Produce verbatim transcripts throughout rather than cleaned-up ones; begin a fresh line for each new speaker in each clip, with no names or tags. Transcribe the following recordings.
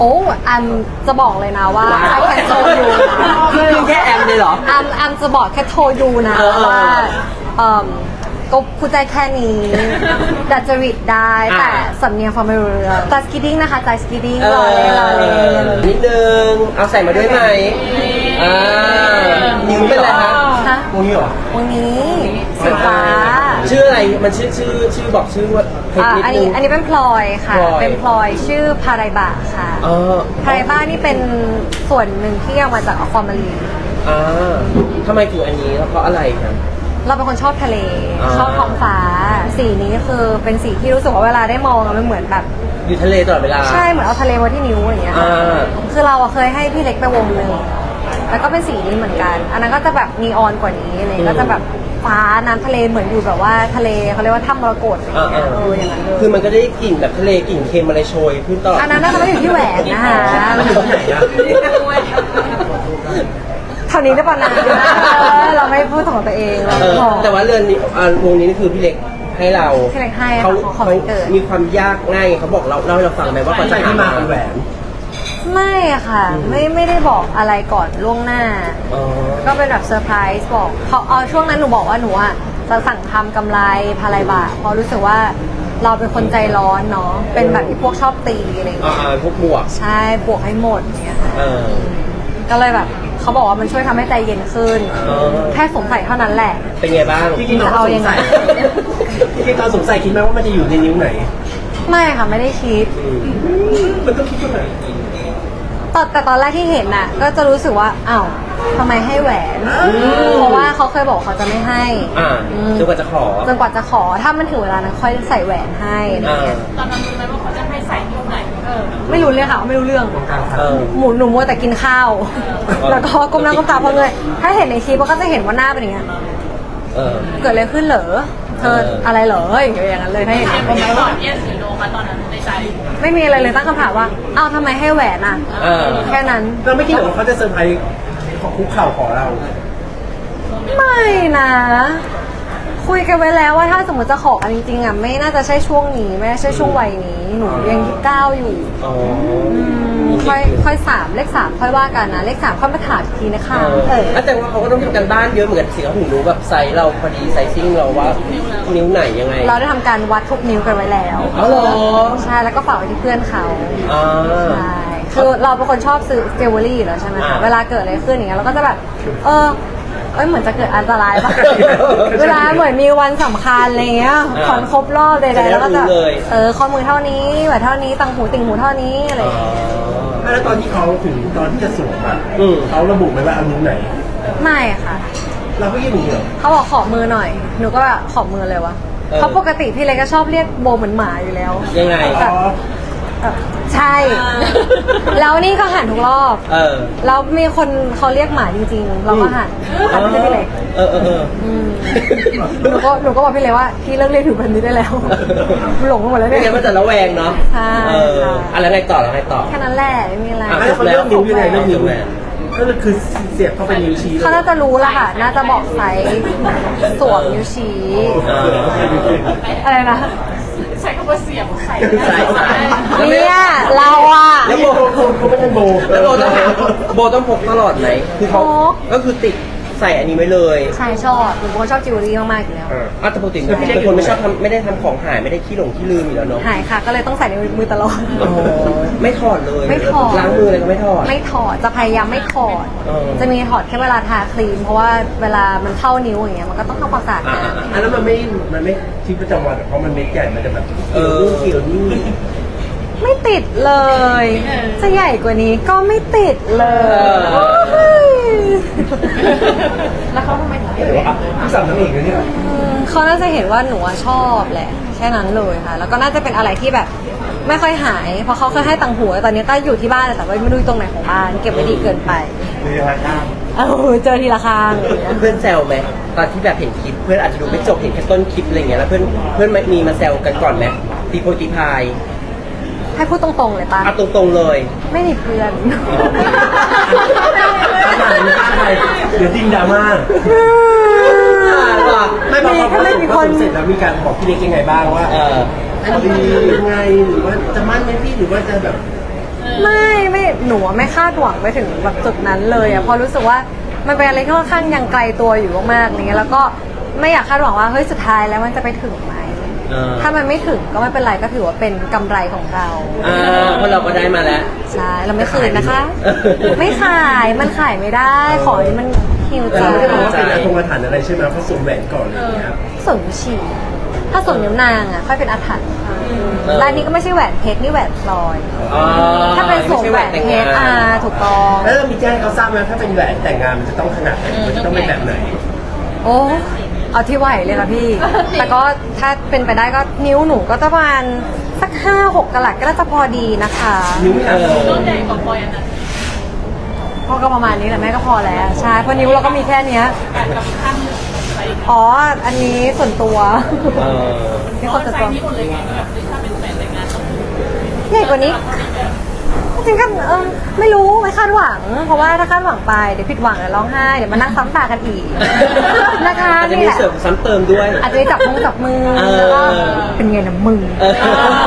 โอ้แอมจะบอกเลยนะว่า I can tell you
คือแค่แอมเลยเหรอ
แอมแอมจะบอกแค่โทรยูนะ
เออ
ว่าเอ่มก็พูดใจแค่นี้ดัดจริตได้แต่สำเนียงฟังไม่รู้เรื่องใจสกีดิ้งนะคะใจสกีดิ้งรอเล่นรอเล่น
นิดนึง เอาใส่มาด้วยไหมอ่านิ้วเป็นอะไรคะ
ฮะ
วงนี้เหรอ
วันนี้สีฟ้า
ชื่ออะไร มันชื่อชื่อชื่อบอกชื่อว่าเพลง
อ่า
นิด
อัน
นึ
นี้
ง
อันนี้เป็นพลอยค่ะ
พลอย
เป็นพลอยชื่อพาไรบะค่ะ
อ๋อ
พาไรบะนี่เป็นส่วนหนึ่งที่เอามาจากอความารีน
อ่าทำไมถึงอันนี้แล้วเพราะอะไรครับ
เราเป็นคนชอบทะเล
อ่า
ชอบท้องฟ้า สีนี้คือเป็นสีที่รู้สึกว่าเวลาได้มองอะมันเหมือนแบบ
อยู่ทะเลตลอดเวลา
ใช่เหมือนเอาทะเลไว้ที่นิ้วอย่างเงี้ยค่ะ
อ่า
คือเราอะเคยให้พี่เล็กไปวงหนึ่งแล้วก็เป็นสีนี้เหมือนกัน อันนั้นก็จะแบบนีออนกว่านี้อะไรก็จะแบบฟ้าน้ำทะเลเหมือนอยู่แบบว่าทะเลเขาเรียกว่าถ้ำมรกตอะไรอย่างเงี้ยเอออย่างนั้นเลย
คือมันก็ได้กลิ่นแบบทะเลกลิ่นเค็มอะไรโชยขึ้นตลอด
อันนั้นน่าจะไม่อยู่ที่แหวนนะคะ
มันอยู่ที่ไหนอะ
เท่านี้ได้ปะนะเออเราไม่พูดของตัวเองเรา
เออ
บอก
แต่ว่าเรือนนี้อ่าวงนี้นี่คือพี่เล็กให้เรา
พี่เล็กให้ค่ะ
เขา
ของ
เขา
วันเกิด
มีความยากง่ายเขาบอกเราเล่าให้เราฟังไหมว่าก่อนจะที่มาเป็นแหวน
ไม่อะค่ะ ไม่ไม่ได้บอกอะไรก่อนล่วงหน้า
อ๋อ
ก็เป็นแบบเซอร์ไพรส์บอกเขาเอาช่วงนั้นหนูบอกว่าหนูอะจะสั่งทำกำไรพาไรบะเพราะรู้สึกว่าเราเป็นคนใจร้อนเนาะเป็นแบบที่พวกชอบตีอะไรอย่าง
อ่า
เงี้ย
อ่าพวกบวก
ใช่บวกให้หมดอย่างเงี้ยค่ะ
เออ
ก็เลยแบบเขาบอกว่ามันช่วยทำให้ใจเย็นขึ้น
เออ
แค่สงสัยเท่านั้นแหละ
เป็นไงบ้าง
จริงๆเราก็สงสัยจริงๆตอนสงสัยคิดไหมว่ามันจะอยู่ในนิ้วไหน
ไม่ค่ะไม่ได้คิด
มันต้องคิดว่าไหน
ตอนแต่ตอนแรกที่เห็นน่ะ ก็จะรู้สึกว่าอ้าวทำไมให้แหวน เพราะว่าเขาเคยบอกเขาจะไม่ให้
อ่า
อืม
จนกว่าจะขอ
จนกว่าจะขอถ้ามันถึงเวลานั้นค่อยใส่แหวนให้อะไร
อ่า
เงี้ย
ตอนนั้นรู้ไหมว่าเขาจะให้ใส่นิ้วไหนเออ
ไม่รู้เลยค่ะไม่รู้เรื่อง
เออ
หมูหนูมัวแต่กินข้าว
อ
แล้วก็ก้มหน้าก้มตาเพราะเงยถ้าเห็นในคลิปก็จะเห็นว่าหน้าเป็นอย่างเงี้ย
เออ
เกิดอะไรขึ้นเหรอเธอ
เอออ
อะไรเหรออย่างเงี้ยอย่างนั้นเลยถ้าเห็น
ถาม
ใน
เขาไหม
คลิป
ว่าเอสสีโลมาตอนนั้นในใจ
ไม่มีอะไรเลยตั้งคำถามว่าอ้าวทำไมให้แหวนอ่ะ
เออ
แค่นั้น
เราไม่คิดหรอกว่าเขาจะเซอร์ไพรส์ขอคุกเข่าขอเรา
ไม่นะ คุยกันไว้แล้วว่าถ้าสมมติจะขอกันจริงๆอ่ะไม่น่าจะใช่ช่วงนี้ไม่น่าใช่ช่วงวัยนี้หนูยังยี่สิบเก้าอยู่
อ๋อ
อืมค่อยค่อยสามเลขสามค่อยว่ากันนะเลขสามค่อยมาถามอีกทีนะคะ
เออ
เออ
แต่ว่าเขาก็ต้องทำกันบ้านเยอะเหมือนกันสิเขาถึงรู้แบบไซส์เราพอดีไซซิ่งเราว่านิ้วไหนยังไง
เราได้ทำการวัดทุกนิ้วกันไว้แล้ว
อ๋อเหรอ
ใช่แล้วก็ฝากไว้ที่เพื่อนเขา
อ่า
ใช่คือเราเป็นคนชอบซื้อเจวเวลรี่อยู่แล้วใช่ไหม
อ่า
คะเวลาเกิดอะไรขึ้นอย่างเงี้ยเราก็จะแบบ เออเอ้ยเหมือนจะเกิดอันตรายป่ะ เวลาเหมือนมีวันสำคัญอะไรเงี้ยขอนครบรอบใดๆแล้วก็จะเออข้อมือเท่านี้แหวนเท่านี้ตังหูติ่งหูเท่านี้อะไร
อ๋
อย่างเงี้ย
อ
แล้วตอนที่เขาถึงตอนที่จะสวมอ่ะ
อืม
เขาระบุไหมว่าเอานิ้วไหน
ไม่ค่ะ
เราก็ยื่นอย่างนี้เหรอ
เขาบอกขอมือหน่อย หนูก็แบบขอมือเลยวะ
เออ
เพราะปกติพี่เล็กก็ชอบเรียกโบเหมือนหมาอยู่แล้ว
ยังไง
อ๋อ
แบบใช่ แล้วนี่ก็หันทุกรอบ
เออ
แล้วมีคนเขาเรียกหมาจริงๆ เราก็หันหันไปที่พี่เล็ก
เออเออเออ
อืมหนูก็หนูก็บอกพี่เล็กว่าพี่เลิกเรียกถึงแบบนี้ได้แล้ว หลงไปหมดแล้ว
ไม่
เนี่ย
งั้นมันจะระแวงเนาะ
ใช่
เออ
ค่ะ
อะไรไงต่อแล้วไงต่อ
แค่นั้นแหละไม่มีอะไร
อ่ะ
แล้วเขาเลือกนิ้วยังไงเลือกนิ้ว
แหวน
ก็คือเสียบเข้าไปนิ้วชี้เลย
เขาน่าจะรู้แล้วค่ะ น่าจะบอกไซส์สวมนิ้วชี้
เออ
อะไรนะ
ใช้คำว่าเสียบใส่
ใส่ใส่
เนี่ยเราอ่ะ
แล้วโบ
เขาไม่ได้โบ
แล้วโบต้องโบต้องพกตลอดไหมคือเขา
พก
ก็คือติดใส่อันนี้ไว้เลย
ใช่ชอบหนูเป็นคนชอบจิวเวลรี่มากๆอยู่แล้ว
อ่ะแต่ปกติเป็นคนไม่ชอบทำไม่ได้ทำของหายไม่ได้ขี้หลงขี้ลืมอยู่แล้วเนาะ
หายค่ะ ก็เลยต้องใส่ในมือตลอด
อ๋อไม่ถอดเลย
ไม่ถอด
ล้างมืออะไรก็ไม่ถอด
ไม่ถอด จะพยายามไม่ถอด
เออ
จะมีถอดแค่เวลาทาครีม เพราะว่าเวลามันเข้านิ้วอย่างเงี้ย มันก็ต้องทำความสะอาด
อ่า
นะ
อันนั้นมันไม่ มันไม่ชีวิตประจำวันหรอกเพราะมันเม็ดใหญ่ มันจะแบบ
เออ
เกี่ยวนี่
ไม่ติดเลย จะใหญ่กว่านี้ก็ไม่ติดเลย แล้วเขาทำไมถึง
เดี๋ยวอ่ะพี่สั่งน้ำเองนะเนี่ย
อืมเขาน่าจะเห็นว่าหนูอะชอบแหละ แค่นั้นเลยค่ะ แล้วก็น่าจะเป็นอะไรที่แบบไม่ค่อยหาย เพราะเขาเคยให้ตังหัวตอนนี้ก็อยู่ที่บ้านแต่ว่าไม่รู้อยู่ตรงไหนของบ้าน เก็บไว้ดีเกินไป
มีราคา
เออเจอทีละครั้งอย่างเงี้ย
เพื่อนแซวไหมตอนที่แบบเห็นคลิปเพื่อนอาจจะดูไม่จบเห็นแค่ต้นคลิปอะไรเงี้ยแล้วเพื่อนเพื่อนมีมาแซวกันก่อนไหมตีโพยตีพาย
ให้พูดตรงๆเลยปะ
เอาตรงๆเลย
ไม่มีเพื่อน
ขนาดนี้ใช่เดี๋ยวดิ้งดราม่า ไม่พอพอ
ไม่มี
พ
ค
อน เสร็จแล้วมีการบอกพี่เล็กยังไงบ้างว่า
เออ
พอดียังไงหรือว่าจะมั่นไหมพี่หรือว่าจะแบบ
ไม่ไม่หนูอะไม่คาดหวังไปถึงแบบจุดนั้นเลยอ่ะเพราะรู้สึกว่ามันเป็นอะไรที่ค่อนข้างยังไกลตัวอยู่มากๆอะไรเงี้ยแล้วก็ไม่อยากคาดหวังว่าเฮ้ยสุดท้ายแล้วมันจะไปถึงไหม
เออ
ถ้ามันไม่ถึงก็ไม่เป็นไรก็ถือว่าเป็นกำไรของเรา
อ่าเพราะเราก็ได้มาแล้ว
ใช่เราไม่คืนนะคะ
เออ
ไม่ขายมันขายไม่ได้ขอให้มันฮิวใจ
แต่เราไม่ได้บอกว่าเป็นอาตรงอาถรรพ์อะไรใช่ไหมเพราะสวมแหวนก่อนอะไรอย่างเงี้ยครับ
ส่วนฉี่ถ้าส่วนนิ้วนางอ่ะค่อยเป็นอาถรรพ์ร้านนี้ก็ไม่ใช่แหวนเพชรนี่แหวนพลอย
อ๋อ
ถ้าเป็นสวมแหวนเพชรอ่าถูกต้อง
แล้วเรามีแจ้งให้เขาทราบไหมถ้าเป็นแหวนแต่งงานมันจะต้องขนาดไหนมันจะต้องเป็นแบบไหน
โอ้เอาที่ไหวเลยค่ะพี่ แต่ก็ถ้าเป็นไปได้ก็นิ้วหนูก็จะประมาณสักห้าหกกะลัดก็น่าจะพอดีนะคะ
นิ้วเออ
ต้นใหญ่กว่าพลอยอันนั้น
พ่อก็ประมาณนี้แหละแม่ก็พอแล้วใช่เพราะนิ้วเราก็มีแค่เนี้ย
กับข้างหนึ่งอะไรอย่างเงี้ย
อ๋ออันนี้ส่วนตัว
เออ
นี่
เพ
คน
ราะ
ส่วน
ไซ
ตัว
ส์นี้หมดเลยไงแบบถ้าเป็นแหวนแต่งงานต้อง
ใหญ่กว่านี้จริงๆก็เออไม่รู้ไม่คาดหวัง เพราะว่าถ้าคาดหวังไปเดี๋ยวผิดหวังเดี๋ยวร้องไห้เดี๋ยวมานั่งซ้ำตากันอีกนะคะ
อาจจะ
นี่
มี
แหละ
เสริมซ้ำเติมด้วย
อาจจะมีจับมือจับมือ
เออ
แล้วก็เป็นไงนะมึง
เออ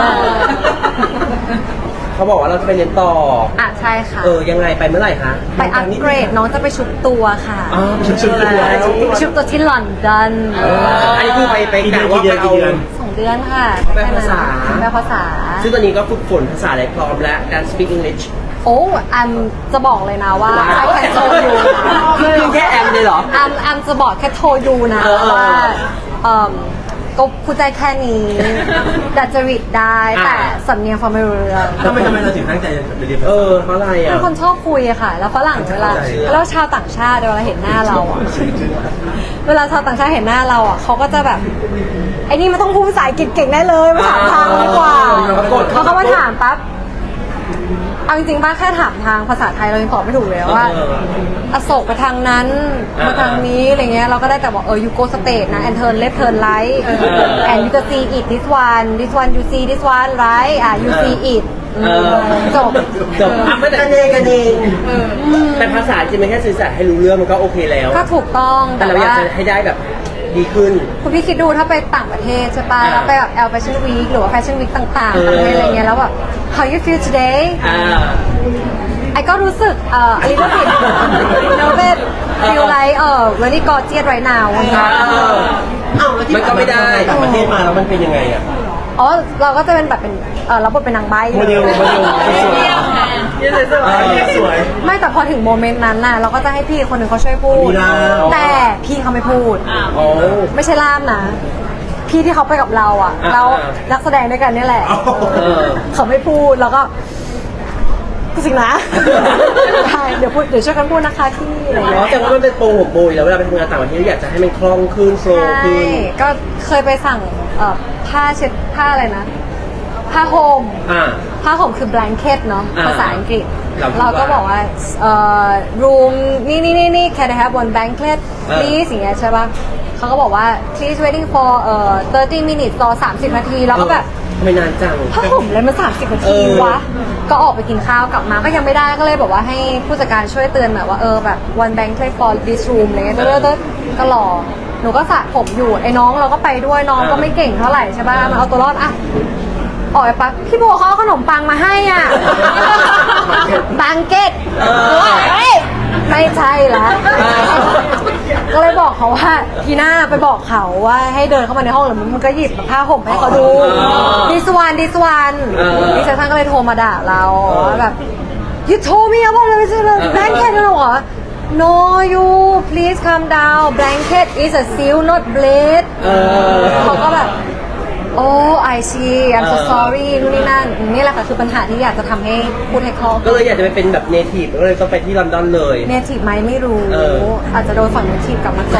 เขาบอกว่าเราจะไปเรียนต่อ
อ่ะใช่ค่ะ
เออ ยังไงไปเมื่อไหร่คะ
ไปอัปเกรดน้องจะไปชุบตัวค่ะ
อ๋อชุบตัว
ไปชุบตัวที่ลอนดอน
เอออันนี้คือไปไป
กี่เดื
กะ
อน
ว่า
กี่
ไป
เดือน
เอา
กี่เดือน
สองเดือนค่ะ
ไปภาษา
ไปภาษา
ซึ่งตอนนี้ก็ฝึกฝนภาษาอะไรพร้อมแล้ว การ speak English
โอ้อันจะบอกเลยนะว่า
ว้าว
I can tell you
คือแค่แอมเลยเหรอ
อันอันจะบอกแค่โทรยูนะ
เออเออ
ว่าเอ่มก็พูดใจแค่นี้ดัดจริตได้
อ่า
แต่สำเนียงฟังไม่รู้เรื่อง
ทำไมทำไมเราถึงตั้งใจจะไปเรียนภา
เอ
ษา
อ เพราะอะไร
เป็
อ่ะ
นคนชอบคุยอะค่ะ แล้วฝรั่งเวลา
เข้าใจ
แล้วชาวต่างชาติเวลาเห็นหน้าเราอะเวลาชาวต่างชาติเห็นหน้าเราอะเขาก็จะแบบไอ้นี่มันต้องพูดภาษาอังกฤษเก่งได้เลยมาถามทางดีกว่า
ปรากฏ
เขาก็มาถามปั๊บเอาจริงๆป้าแค่ถามทางภาษาไทยเรายังตอบไม่ถูกเลยว่า
เออ
อโศกไปทางนั้น
อ่า
มาทางนี้อะไรเงี้ยเราก็ได้แต่บอกเออ you go straight นะ and turn left turn right
เออ
and you can see it this one this one you see this one right อ่ะ you see it
เออ
จบ
จบอ่ะไม่แต่
กันเองกันเอง
แต่ภาษาจริงมันแค่สื่อสารให้รู้เรื่องมันก็โอเคแล้ว
ก็ถูกต้อง
แต่
แต่
เราอยาก
ว่า
จะให้ได้แบบดีขึ้น
คุณพี่คิดดูถ้าไปต่างประเทศใช่ป่ะ
อ่า
แล้วไปแบบ L Fashion Week หรือว่า Fashion Week ต่างๆ
เออ
ต่างประเทศอะไรเงี้ยแล้วแบบ how you feel today
อ่า
ไอ้ก็รู้สึกเอ่อ a little bit a little bit feel like เอ่อ very gorgeous right now
เออ
อ้าวแล้วที่
มันก็ไม่ได้
ต่างประเทศมาแล้วมันเป็นยังไงอ่ะ
อ๋อเราก็จะเป็นแบบเป็นเออรับบทเป็นนางใบ้
โมเดลโมเดลสวย
ยืนสวย
เออสวย
ไม่แต่พอถึงโมเมนต์นั้นน่ะเราก็จะให้พี่คนหนึ่งเขาช่วยพูด
มีล่าม
แต่พี่เขาไม่พูด
โอ้
ไม่ใช่ล่ามนะ พี่ที่เขาไปกับเราอ่ะ
อ่า
เรานักแสดงด้วยกันเนี่ยแหละ
อ๋อ
เออ
เขาไม่พูดแล้วก็จริงนะใช่เดี๋ยวพูดเดี๋ยวช่วยกันพูดนะคะที่อะไรอย่าง
อ๋อ
เงี้ย
แต่ว่ามันเป็นโปรของโบยแล้วเวลาไปทำงานต่างประเทศอยากจะให้มันคล่องขึ้นโฟล์
ใช่
ขึ้น
ก็เคยไปสั่งเอ่อผ้าเช็ดผ้าอะไรนะ ผ้าโฮม
อ่า
ผ้าห่มคือ blanket เนาะ
อ่า
ภาษาอังกฤษ
เราคิดว่า
เราก็บอกว่าเอ่อ room นี่นี่นี่นี่ can I have one blanket
เออ
please อย่างเงี้ยใช่ป่ะเขาก็บอกว่า please waiting for เอ่อthirty minutes รอสามสิบนาทีแล้วก็แบบ
ทำไมนานจัง
ผ้าห่มอะไรมันสามสิบนา
เอ
ที
อ
วะ ก็ออกไปกินข้าวกลับมาก็ยังไม่ได้ก็เลยบอกว่าให้ผู้จัดการช่วยเตือนหน่อยว่าเออแบบ one blanket for this room อะไรเงี้ยเต้ยๆก็รอหนูก็สระผมอยู่ไอ้น้องเราก็ไปด้วยน้องก็ไม่เก่งเท่าไหร่ใช่ป่ะมันเอาตัวรอดอะออกไปปั๊บพี่โบเขาเอาขนมปังมาให้อ่ะ บังเก็ต
เออ
เฮ้ยไม่ใช่ละ
เออ
ก็เลยบอกเขาว่าทีหน้าไปบอกเขาว่าให้เดินเข้ามาในห้องหรือมันก็หยิบผ้าห่มให้เขาดู ดิสวันดิสวัน
เออ
ดิฉันก็เลยโทรมาด่าเราว่าแบบ you told me about the blanket แล้วเหรอ no you please calm down blanket is a seal not blade
เออ
เขาก็แบบ โอ้ I see I'm so
เออ
sorry นู่นนี่นั่นนี่แหละค่ะคือปัญหาที่อยากจะทำให้พูดให้คล่อง
ก็เลยอยากจะไปเป็นแบบเนทีฟก็เลยต้องไปที่ลอนดอนเลย
เนทีฟไหมไม่รู้
เออ
อาจจะโดนฝั่งเนทีฟกลับมาก่อน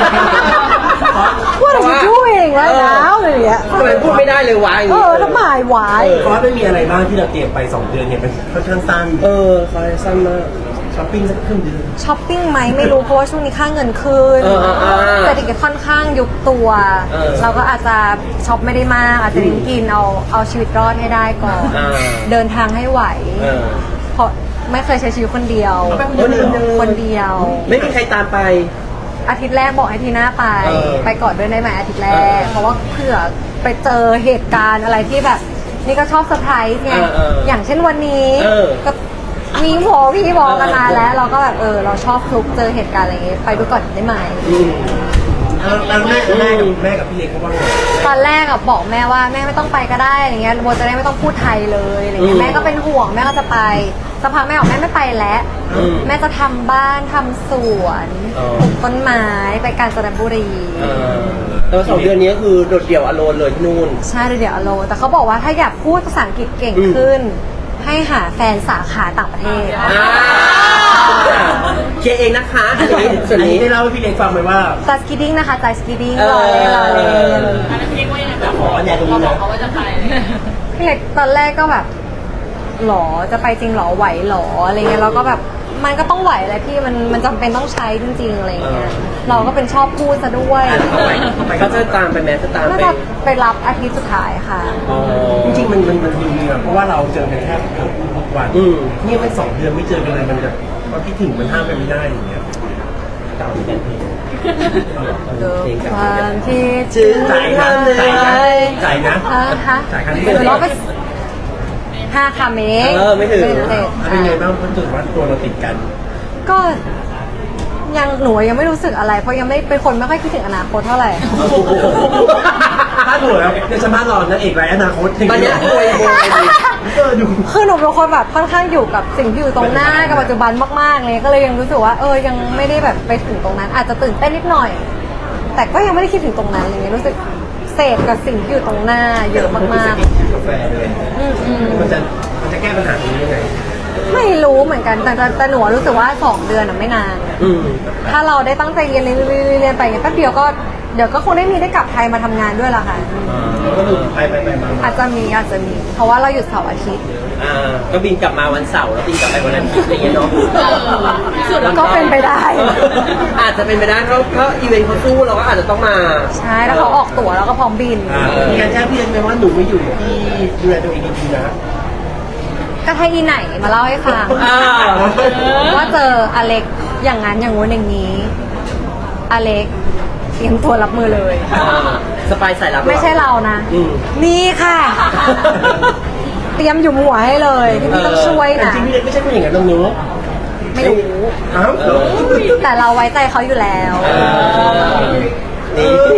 What are you doing right now อะไรอย่างเงี้ย
ทำไมพูดไม่ได้เลยวะอย่าง
เอ
งี้
อทำไมวาย
เพราะว่าไม่มีอะไรบ้างที่เราเตรียมไปสองเดือนเนี่ยมันค่อนข้างสั้น
เออคอยสั้นมาก
ช้อปปิ้งสักครึ่งเดือน
ช้อปปิ้งไหมไม่รู้เพราะว่าช่วงนี้ค่าเงินขึ้น
เออเออเออ
เศรษฐกิจค่อนข้างยุบตัว
เออ
เราก็อาจจะช็อปไม่ได้มาก อาจจะเน้นกินเอาเอาชีวิตรอดให้ได้ก่อน
อ่า
เดินทางให้ไหว
เออ
เพราะไม่เคยใช้ชีวิตคนเดียว
คนเดียวเลย
คนเดียว
ไม่มีใครตามไป
อาทิตย์แรกบอกให้ทีหน้าไป
เออ
ไปก่อนด้วยได้ไหมอาทิตย์แร
เอก อ
เพราะว่าเผื่อไปเจอเหตุการณ์อะไรที่แบบนี่ก็ชอบเซอร์ไพรส์ไง
เออเออ
อย่างเช่นวันนี้
เออ
ก็มีโผพี่บอกกันมาแล้ว เราก็แบบเออเราชอบฟลุกเจอเหตุการณ์อะไรอย่างเงี้ยไปดูก่อนได้ไหม
อืม
แล้วแม่แม่กับแม่กับพี่เล็กเขาว่าไง
ตอนแรกอะบอกแม่ว่าแม่ไม่ต้องไปก็ได้อะไรเงี้ยโบจะได้ไม่ต้องพูดไทยเลยอะไรเงี้
อื
ย
ม
แม่ก็เป็นห่วงแม่ก็จะไปสักพักแม่บอกแม่ไม่ไปแล้ว
อืม
แม่จะทำบ้านทำสวน
อ๋อ
ปลูกต้นไม้ไปกาญจนบุรี
เออแต่ว่าสองเดือนนี้ก็คือโดดเดี่ยวอโลนเลยที่นู่น
ใช่เดี๋ยวอโลแต่เขาบอกว่าถ้าอยากพูดภาษาอังกฤษเก่ง
อืม
ขึ้น ให้หาแฟนสาขาต่างประเทศ
อ่าเคลียร์เองนะคะอันนี้ส่วน
อัน
นี้
นี้ได้เล่าให้พี่เล็กฟังไหมว่า
จัสกิดดิ้งนะคะจัสกิดดิ้ง
เออ
รอเล่นรอเล่น
อันนั้นพี่เล็กว่ายังไงแบบ
ขออันใหญ่ตรงนี้
เรา
นะ
บอกเขาว่าจะไป
พี่เล็กตอนแรกก็แบบหรอจะไปจริงหรอไหวหรออะไรเงี้ยเราก็แบบมันก็ต้องไหวแหละพี่มันมันจำเป็นต้องใช้จริงๆอะไรเงี้ยเราก็เป็นชอบพูดซะด้วย
อ่ะเข้าไปเข้าไป
เขาจะตามไปแม้จะตาม
น่า
ไป
จะไปรับอาทิตย์สุดท้ายค่ะ
อ๋อ
จริงๆมันมันมันดีอะเพราะว่าเราเจอกันแค่เกือบทุกวัน
อืม
นี่ไม่สองเดือนไม่เจอกันเลยมันจะว่าคิดถึงมันห้ามกันไม่ได้อย่างเงี้ย
เก่าเหมือนกันเพลง
เดิม
เพลง
ค
เก่าว
ามที่
จึง
จ่ายนะจ่ายนะจ่ายนะ
ฮะฮะ
จ่ายครั้งที่
เดี๋ยวเราไปห้าคำเอง
เออไม่ถึง
ไม่ถึง
เป็นไงบ้างเพราะถือว่าตัวเราติดกัน
ก็ยังหนูยังไม่รู้สึกอะไรเพราะยังไม่เป็นคนไม่ค่อยคิดถึงอนาคตเท่าไหร่
ถ้าถูกแล้วในสมาร์ทรอนนางเอกไรอนาคต
ตอนเนี้ยรวยรวยดี
เออดู
คือหนูเป็นคนแบบค่อนข้างอยู่กับสิ่งที่อยู่ตรงหน้ากับปัจจุบันมากๆเลยก็เลยยังรู้สึกว่าเออยังไม่ได้แบบไปถึงตรงนั้น อาจจะตื่นเต้นนิดหน่อย แต่ก็ยังไม่ได้คิดถึงตรงนั้นอะไรเงี้ยรู้สึกเสพกับสิ่งที่อยู่ตรงหน้าเยอะมาก
กาแฟเลย
ๆอืมอืม
มันจะมันจะแก้ปัญหาตรงนี้ยังไง
ไม่รู้เหมือนกันแต่แต่แต่หนูรู้สึกว่าสองเดือนอะไม่นาน
อืม
ถ้าเราได้ตั้งใจเรียนเรียนเรียนเรียนไปอย่างเงี้ยแป๊บเดียวก็เดี๋ยวก็คงได้มีได้กลับไทยมาทำงานด้วยละค่ะ
ก็คือไปไปไปมามา
อาจจะมีอาจจะมีเพราะว่าเราหยุดเสาร์อาทิตย์
อ่าก็บินกลับมาวันเสาร์แล้วบินกลับไปวันอาทิตย์อะไรอย่างเงี้ยเนาะ
สุด
แล้วก็เป็นไปได้
อาจจะเป็นไปได้เพราะเพราะอีเวนต์เขาสู้เราก็อาจจะต้องมา
ใช่แล้วเขาออกตั๋วแล้วก็พร้อมบิน
อ่ามีการแจ้งพี่เล็กไหมว่าหนูไม่อยู่ที่ดูแลตัวเองดีๆนะ
ก็ถ้าอีไหนมาเล่าให้ฟัง
อ่า
ว่าเจออเล็กอย่างนั้นอย่างงู้นอย่างนี้ อเล็กเตรียมตัวรับมือเลย
อ่าสปายสายลับหอ
ไม่ใช่เรานะ
อืม
นี่ค่ะ เตรียมอยู่หัวให้เลยที่พี่ต้องช่วย
แต่
นะ
จริงๆพี่เล็กไม่ใช่ผู้หญิงอย่างนั้นน้องนุ๊ก
ไม่รู้
อ้าว
เออ
แต่เราไว้ใจเขาอยู่แล้ว
เออนี่